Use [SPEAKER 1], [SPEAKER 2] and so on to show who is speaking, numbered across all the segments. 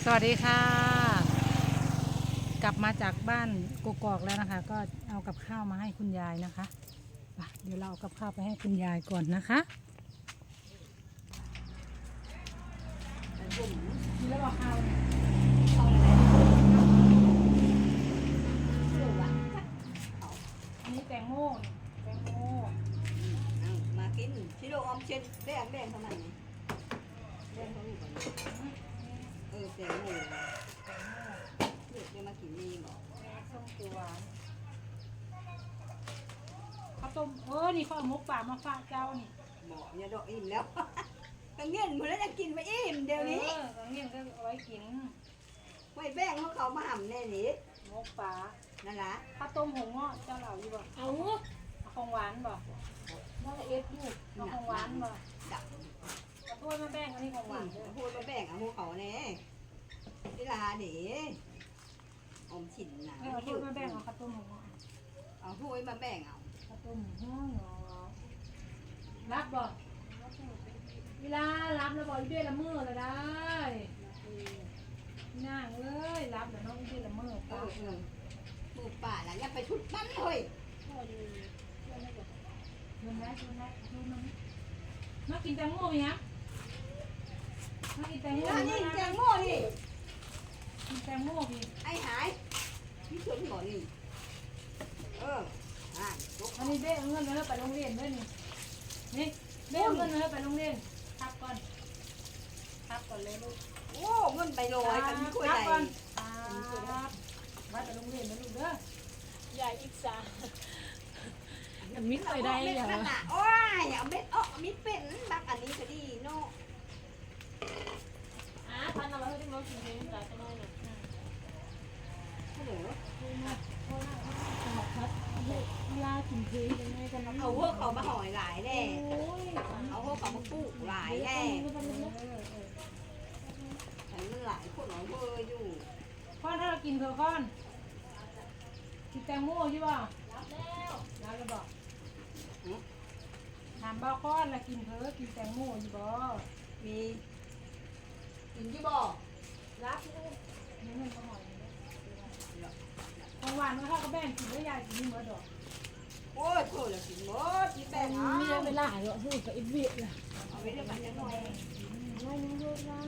[SPEAKER 1] สวัสดีค่ะกลับมาจากบ้านกกอกแล้วนะคะก็เอากับข้าวมาให้คุณยายนะคะเดี๋ยวเราเอากับข้าวไปให้คุณยายก่อนนะคะมีแล้วบอกข้าวเนี่ยอันนี้แตงโมแตงโม
[SPEAKER 2] มากินชิโร่ออมเช่นแดงเท่านั้นนี่แดงเท่านี้ก่อนแตงโมเลือกได้มากินนี่บอก
[SPEAKER 1] แม่ส้มตัวหวานข้าวต้มนี่ข้าวหมกป่ามาฝากเจ้านี่
[SPEAKER 2] บอกอย่าดอกอิ่มแล้วกังเงี้ยมือแล้วจะกินไปอิ่มเดี๋ยวนี้
[SPEAKER 1] กังเงี้ยก็เอาไว้กิน
[SPEAKER 2] ไว้แบ่งเขามาหั่นแน่นี่
[SPEAKER 1] หมกป่า
[SPEAKER 2] นั่นแหละ
[SPEAKER 1] ข้าวต้มหงเงาะเจ้าเหล่าอยู่บ่เอาของหวานบ่น่าจะเอฟอยู่เอาของหวานบ่เอาถ้วยมาแบ่งอันนี้ของหวาน
[SPEAKER 2] พูดมาแบ่งเอาพวกเขาแน่เวลาเดี๋ยวอมฉินนะ
[SPEAKER 1] เอาถ้วยมาแบ่งเอาข้าวต้มหงเงาะ
[SPEAKER 2] เอาถ้วยมาแบ่งเอา
[SPEAKER 1] ข้าวต้มหงเงาะรับบ่เวลารับแล้วบ่อีเบี้ยละมือเลยได้นั่งเลยรับแล้วน้องอีเบี้ยละมือป้า
[SPEAKER 2] มือป่าแล้วอย่าไปชุดมันเลย
[SPEAKER 1] ดูนะมากินแตงโมไหมฮะมากินแตงโม
[SPEAKER 2] นี่แตงโมนี่
[SPEAKER 1] กินแตงโมพี่
[SPEAKER 2] ไอ้หายพี่ชวนก่อนนี่
[SPEAKER 1] อันนี้เบ้เอาเงินมาไปโรงเรียนด้วยนี่เบ้เอาเงินมาไปโรงเรียนทับก่อนเลยลูก
[SPEAKER 2] โอ้เงินไปลอยกันที่คุยใหญ่
[SPEAKER 1] มาไปโรงเรียนนะลูกเด้อ
[SPEAKER 3] ใหญ่อีกสา
[SPEAKER 1] มิดไปได้เหรอ
[SPEAKER 2] โอ้ยเอาเม็ดมิดเป็นบักอันนี้ก็ดีเนาะ
[SPEAKER 3] พันเอาไว้ให้มากินเองแต่ก็ได้นะ
[SPEAKER 2] ฮัลโหล
[SPEAKER 3] เวลากินเพลยังไงกัน
[SPEAKER 2] เอาพวกเขามาห่อยหลายแน่เอาพวกเขามาปลูกหลายแน่มันหลายคนเอาเบอร์อยู่
[SPEAKER 1] ก้อนถ้าเรากินเถอะก้อนกินแตงโมใช่ป่ะรับแล้วบอกถามบ้าก้อนละกินเถอะกินแตงโมอยู่บ่
[SPEAKER 2] มีกินที่บ่
[SPEAKER 1] รับนี่มันก็หอยของหวานมันเข้ากับแบ่งกินแล้วยายกินนี่เมื่อดอก
[SPEAKER 2] โอ้ยโถละกินหมดที่แบ่ง
[SPEAKER 3] มีเวลาเหรอพูดกับอีเวียล่ะ
[SPEAKER 2] เอาไว้เดี๋ยวมันจะหน่อย
[SPEAKER 3] ไม่รู้เรื่อง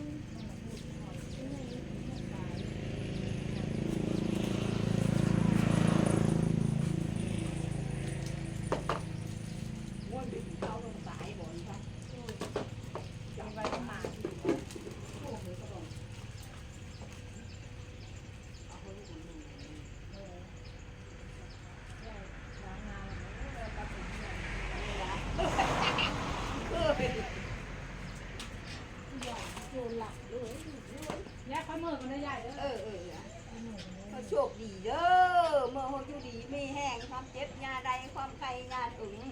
[SPEAKER 1] ยายข้าวมือกันได้ใหญ่เด้อ
[SPEAKER 2] เขาโชคดีเด้อเมื่อเขาอยู่ดีไม่แห้งความเจ็บยาใดความไข้ยาอึ๋ง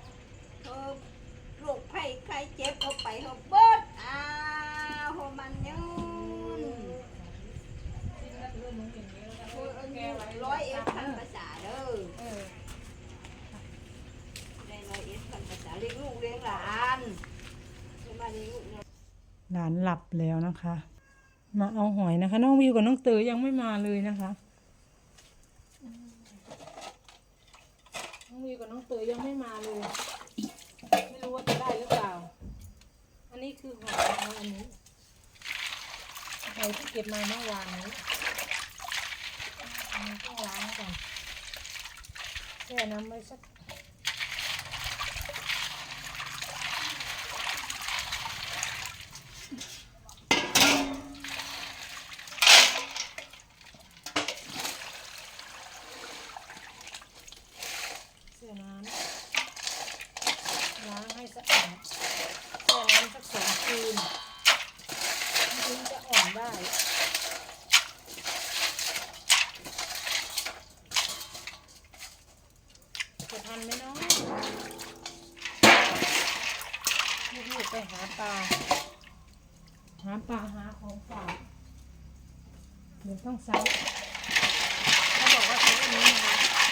[SPEAKER 2] โรคไข้ไข้เจ็บเขาไปเขาเบิดหัวมันยืน100 ภาษาเด้อได้100 ภาษาเลี้ยงลูกเลี้ยงหลานมาเลี้ยงลูก
[SPEAKER 1] หลานหลับแล้วนะคะมาเอาหอยนะคะน้องวิวกับน้องเต๋อยังไม่มาเลยนะคะน้องวิวกับน้องเต๋อยังไม่มาเลยไม่รู้ว่าจะได้หรือเปล่าอันนี้คือหอยนะคะอันนี้หอยที่เก็บมาเมื่อวานนี้อันนี้ต้องล้างก่อนแช่น้ำไว้สักล้างให้สะอาดแช่น้ำสัก2 คืนถึงจะอ่อนได้จะทันไหมน้องลูกๆไปหาปลาหาของฝากเดี๋ยวต้องใช้เขาบอกว่าใช้อันนี้นะคะ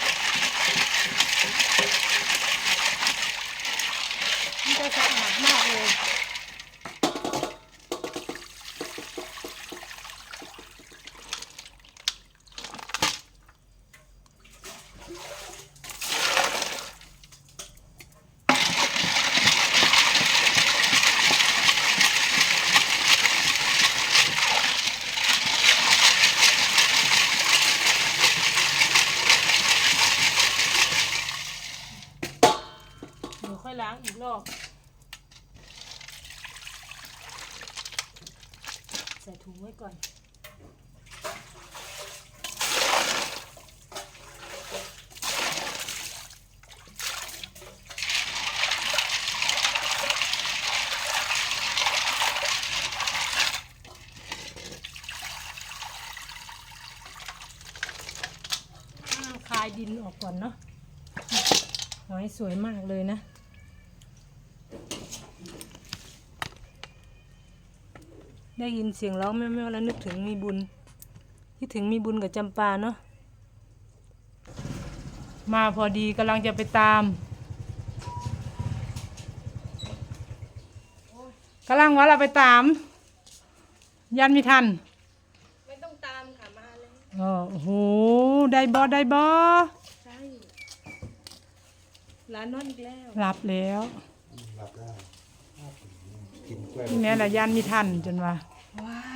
[SPEAKER 1] มันจะสะอาดมากเลยไว้ก่อนคลายดินออกก่อนเนาะหอยสวยมากเลยนะได้ยินเสียงร้องแม่ๆแล้วนึกถึงมีบุญคิดถึงมีบุญกับจำปาเนาะมาพอดีกำลังจะไปตามกำลังว่าเราไปตามยันไม่ทัน
[SPEAKER 3] ไม่ต้องตามค่ะมาเลย
[SPEAKER 1] โอ้โหได้บอได้บอ
[SPEAKER 3] ใช่ร้านนอนอีกแล้ว
[SPEAKER 1] รับแล้ว
[SPEAKER 4] รับได้กินกล้วย
[SPEAKER 1] นี่แม่ละยันไม่ทันจนว่า
[SPEAKER 3] ว้าย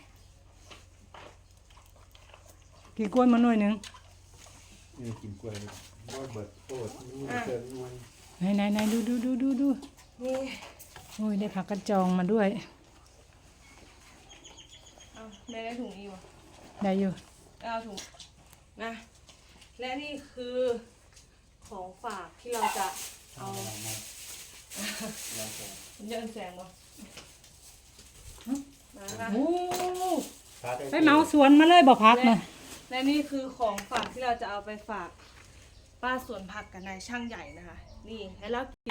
[SPEAKER 1] กินกล้วยมาหน่อยหนึง
[SPEAKER 4] นี่กินกล้วยบ่เบิดโตดนี่เกินนวล
[SPEAKER 1] ไหนดู
[SPEAKER 3] นี่
[SPEAKER 1] โอ้ยได้ผักกระจองมาด้วย
[SPEAKER 3] เอาได้ถุงอีกวะ
[SPEAKER 1] ได้อยู่
[SPEAKER 3] เอาถุงนะและนี่คือของฝากที่เราจะเอามันเยินแสงวะมาค่ะ
[SPEAKER 1] โอ้ไปเหมาสวนมาเลยบอกพักนะ
[SPEAKER 3] และนี่คือของฝากที่เราจะเอาไปฝากป้าสวนผักกับนายช่างใหญ่นะคะ นี่ให้เรากิน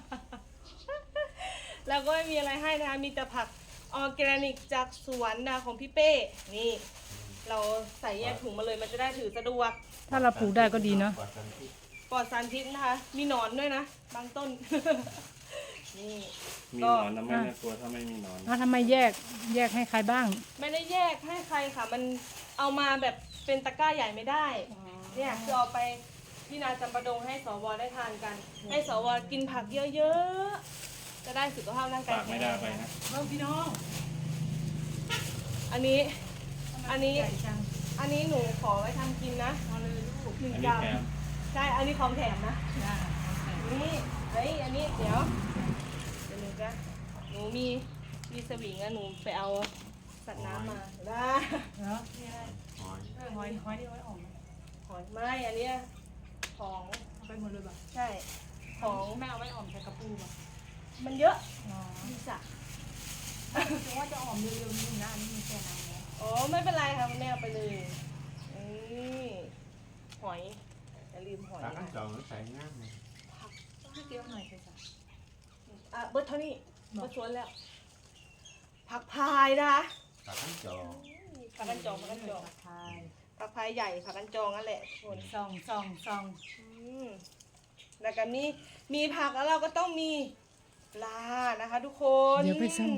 [SPEAKER 3] แล้วก็ไม่มีอะไรให้นะคะ มีแต่ผักออร์แกนิกจากสวนนะของพี่เป้ นี่ เราใส่แยกถุงมาเลยมันจะได้ถือสะดวก
[SPEAKER 1] ถ้าเราปลูกได้ก็ดีเนาะ
[SPEAKER 3] ปลอดสารพิษนะคะ มีหนอนด้วยนะ บางต้น นี่
[SPEAKER 5] มีหนอนนะไม่น่ากลัวถ้าไม่มีหนอน
[SPEAKER 1] ทำไมแยกให้ใครบ้าง
[SPEAKER 3] ไม่ได้แยกให้ใครค่ะ มันเอามาแบบเป็นตะกร้าใหญ่ไม่ได้ เนี่ยคือเอาไปที่นาจำปาดงให้สวได้ทานกัน ให้สวกินผักเยอะๆ จะได้สุขภาพร่างกาย
[SPEAKER 5] ฝากไม่ได้ไปนะ
[SPEAKER 1] เริ่มพี่น้อง
[SPEAKER 3] อันนี้
[SPEAKER 1] ใหญ่จัง
[SPEAKER 3] อันนี้หนูขอไว้ทำกินนะ
[SPEAKER 1] เอาเลยลูก
[SPEAKER 3] หนึ่ง
[SPEAKER 5] อัน
[SPEAKER 3] ก
[SPEAKER 5] นี้
[SPEAKER 3] รัม
[SPEAKER 5] แถม
[SPEAKER 3] ใช่ อันนี้ของแถมนะ
[SPEAKER 1] จ้า
[SPEAKER 3] นี่เฮ้ยอันนี้เดี๋ยวหนูจะหนูมีสวิงอะหนูไปเอาสัตว์น้ำมาได้
[SPEAKER 1] เนาะ
[SPEAKER 4] หอย
[SPEAKER 1] หอยนี่ไว้ออกไหม
[SPEAKER 3] หอยไม่อันเนี้ยของ
[SPEAKER 1] เอาไปหมดเลยบ่
[SPEAKER 3] ใช่ของ
[SPEAKER 1] แม่เอาไว้ออมใส่กระปูบ่
[SPEAKER 3] มันเยอะ
[SPEAKER 1] อ๋อ
[SPEAKER 3] ดีจ้ะ
[SPEAKER 1] ถึงว่าจะออมเร็วๆนี้นะอันนี้มีแค่น้ำแล้ว
[SPEAKER 3] อ๋อไม่เป็นไรค่ะคุณแม่เอาไปเลยนี่หอยอย่าลืมหอย
[SPEAKER 4] ตา
[SPEAKER 3] นะ
[SPEAKER 4] ขั้นจองใส่ง่ายเลย
[SPEAKER 1] ต้องให้เกี่ยวหน่อยสิจ้ะ
[SPEAKER 3] อ่ะเบิร์ดเท่านี้เบิร์ดชวนแล้วผักพายนะคะ
[SPEAKER 4] ตาขั้นจอง
[SPEAKER 3] ผักกันจองผักกันจอง
[SPEAKER 1] ทาย
[SPEAKER 3] ผักพายใหญ่ผักกันจองนั่นแหละทุกคน
[SPEAKER 1] ซอง
[SPEAKER 3] อืมแล้วก็มีผักแล้วเราก็ต้องมีปลานะคะทุกคน
[SPEAKER 1] เดี๋ยวไปส่อง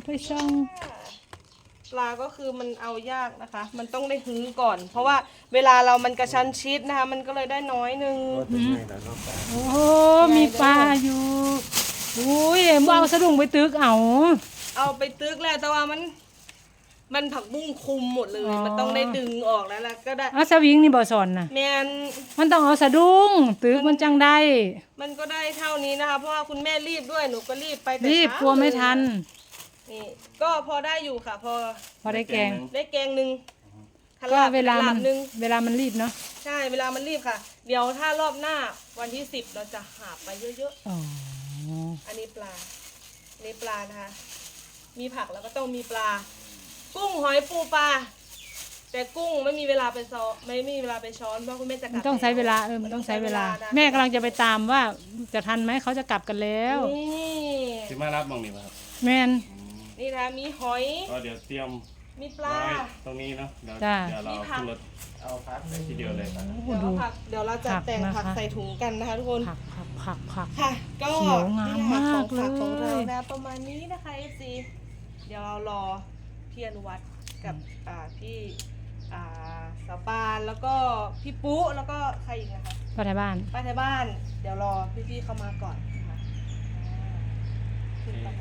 [SPEAKER 3] ปลาก็คือมันเอายากนะคะ มันต้องได้หื้อก่อน เพราะว่าเวลาเรามันกระชั้นชิดนะคะ มันก็เลยได้น้อยนึง
[SPEAKER 4] ก็จะไม่แล้วนอกจาก
[SPEAKER 1] โอ้โหมีปลาอยู่อุ้ยมึงเอาสะดุ้งไปตึกเอา
[SPEAKER 3] เอาไปตึกแล้วแต่ว่ามันผักบุ้งคุมหมดเลย
[SPEAKER 1] อ๋อ
[SPEAKER 3] มันต้องได้ดึงออกแล้วก็ได้
[SPEAKER 1] เอาสวิงนี่บ่สอนนะ
[SPEAKER 3] แมน
[SPEAKER 1] มันต้องเอาสะดุ้งตึกมันจังได้
[SPEAKER 3] มันก็ได้เท่านี้นะคะ เพราะว่าคุณแม่รีบด้วยหนูก็รีบไปแต่
[SPEAKER 1] รีบ
[SPEAKER 3] เช้าก
[SPEAKER 1] ลัวไม่ทัน
[SPEAKER 3] นี่ก็พอได้อยู่ค่ะ พอ
[SPEAKER 1] ได้แกง
[SPEAKER 3] ได้แกงหนึ่ง
[SPEAKER 1] ก็เวลา
[SPEAKER 3] ห
[SPEAKER 1] มัน
[SPEAKER 3] หนึ่ง
[SPEAKER 1] เวลามันรีบเนาะ
[SPEAKER 3] ใช่เวลามันรีบค่ะ เดี๋ยวถ้ารอบหน้าวันที่10เราจะหาไปเยอะ
[SPEAKER 1] อ๋อ
[SPEAKER 3] ๆ อันนี้ปลาอันนี้ปลานะคะ มีผักแล้วก็ต้องมีปลา กุ้งหอยปูปลา แต่กุ้งไม่มีเวลาไปซ้อไม่มีเวลาไปช้อนเพราะคุณแม่จะก
[SPEAKER 1] มั
[SPEAKER 3] ลั
[SPEAKER 1] น
[SPEAKER 3] บ
[SPEAKER 1] ต้องใช้เวลา
[SPEAKER 3] แ
[SPEAKER 1] มันต้องใช้เวลา
[SPEAKER 3] นะ
[SPEAKER 1] แม่กำลังจะไปตามว่าจะทันไหมเขาจะกลับกันแล้ว
[SPEAKER 3] นี่
[SPEAKER 5] ที่มารับมองนี่ป่ะครับ
[SPEAKER 1] แมน
[SPEAKER 3] นี่นะมีหอย
[SPEAKER 5] ก็เดี๋ยวเตรียม
[SPEAKER 3] มีปลา
[SPEAKER 5] ไว้ตรงนี้เนาะเดี๋ยว
[SPEAKER 1] จ้า
[SPEAKER 5] เดี๋ยวเรา
[SPEAKER 3] มีผัก
[SPEAKER 5] ขึ้นรถเอาพักไปทีเดียวเลยครับ
[SPEAKER 1] โอ้โห
[SPEAKER 3] เดี๋ยว
[SPEAKER 1] ดู
[SPEAKER 3] เอาผักเดี๋ยวเราจะ
[SPEAKER 1] ผัก
[SPEAKER 3] แต่งผัก
[SPEAKER 1] นะคะ
[SPEAKER 3] ใส่ถุงกันนะคะทุกคน
[SPEAKER 1] ผัก
[SPEAKER 3] ค่ะ ก็
[SPEAKER 1] เขียวงาม
[SPEAKER 3] นี่แหละค่ะ
[SPEAKER 1] มาก
[SPEAKER 3] ของฝากของ
[SPEAKER 1] เลย
[SPEAKER 3] เรานะประมาณนี้นะคะ FC เดี๋ยวเรารอพี่อนุวัฒน์กับพี่สาวปานแล้วก็พี่ปุ๊แล้วก็ใครอีกนะคะ
[SPEAKER 1] ป้าไทยบ้าน
[SPEAKER 3] ป้าไทยบ้าน เดี๋ยวรอพี่ๆเข้ามาก่อนนะคะขึ้นไป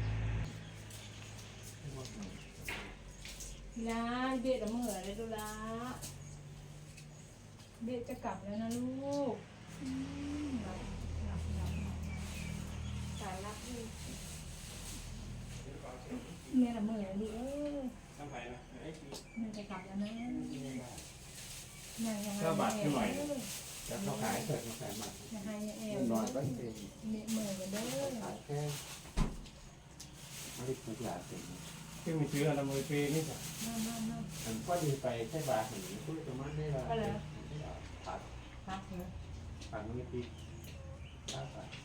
[SPEAKER 3] นะเด็ดละเมื่อเลยดูละเด็ดจะกลับแล้วนะลูกสายรักลูกแม่ละเมื่อลูก
[SPEAKER 5] น้ำไผ่นะไอ้คือ
[SPEAKER 1] แม่จะกลับแล้วนะแม่ยังไง
[SPEAKER 5] ก็บาทขึ้นหน่อย
[SPEAKER 4] แล้วเขาขายเสร็จเขาขายหมัก
[SPEAKER 1] จะให้แอ
[SPEAKER 4] เงิ
[SPEAKER 1] ล
[SPEAKER 4] นน้อยก็เอง
[SPEAKER 1] เหมือนกันเด้อ
[SPEAKER 4] ขายแค่ไม่ได้ทุกอย่างเต็ม
[SPEAKER 5] ที่มีซื้ออะไรมือปีนี่จ้ะ
[SPEAKER 1] นั่น
[SPEAKER 4] อันก็ดีไปแค่บาทหนึ่งพูดประมาณนี้ละผัด
[SPEAKER 1] ครับเหรอ
[SPEAKER 4] ผัดไม่ติดข้าวผัด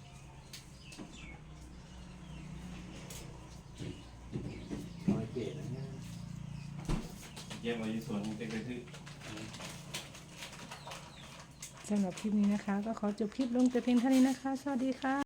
[SPEAKER 4] น้อยเก๋นะเนี่ย
[SPEAKER 5] เยี่ยมเลยส่วนเด็กไปซื้อ
[SPEAKER 1] สำหรับคลิปนี้นะคะ ก็ขอจบคลิปลงแต่เพียงเท่านี้นะคะ สวัสดีค่ะ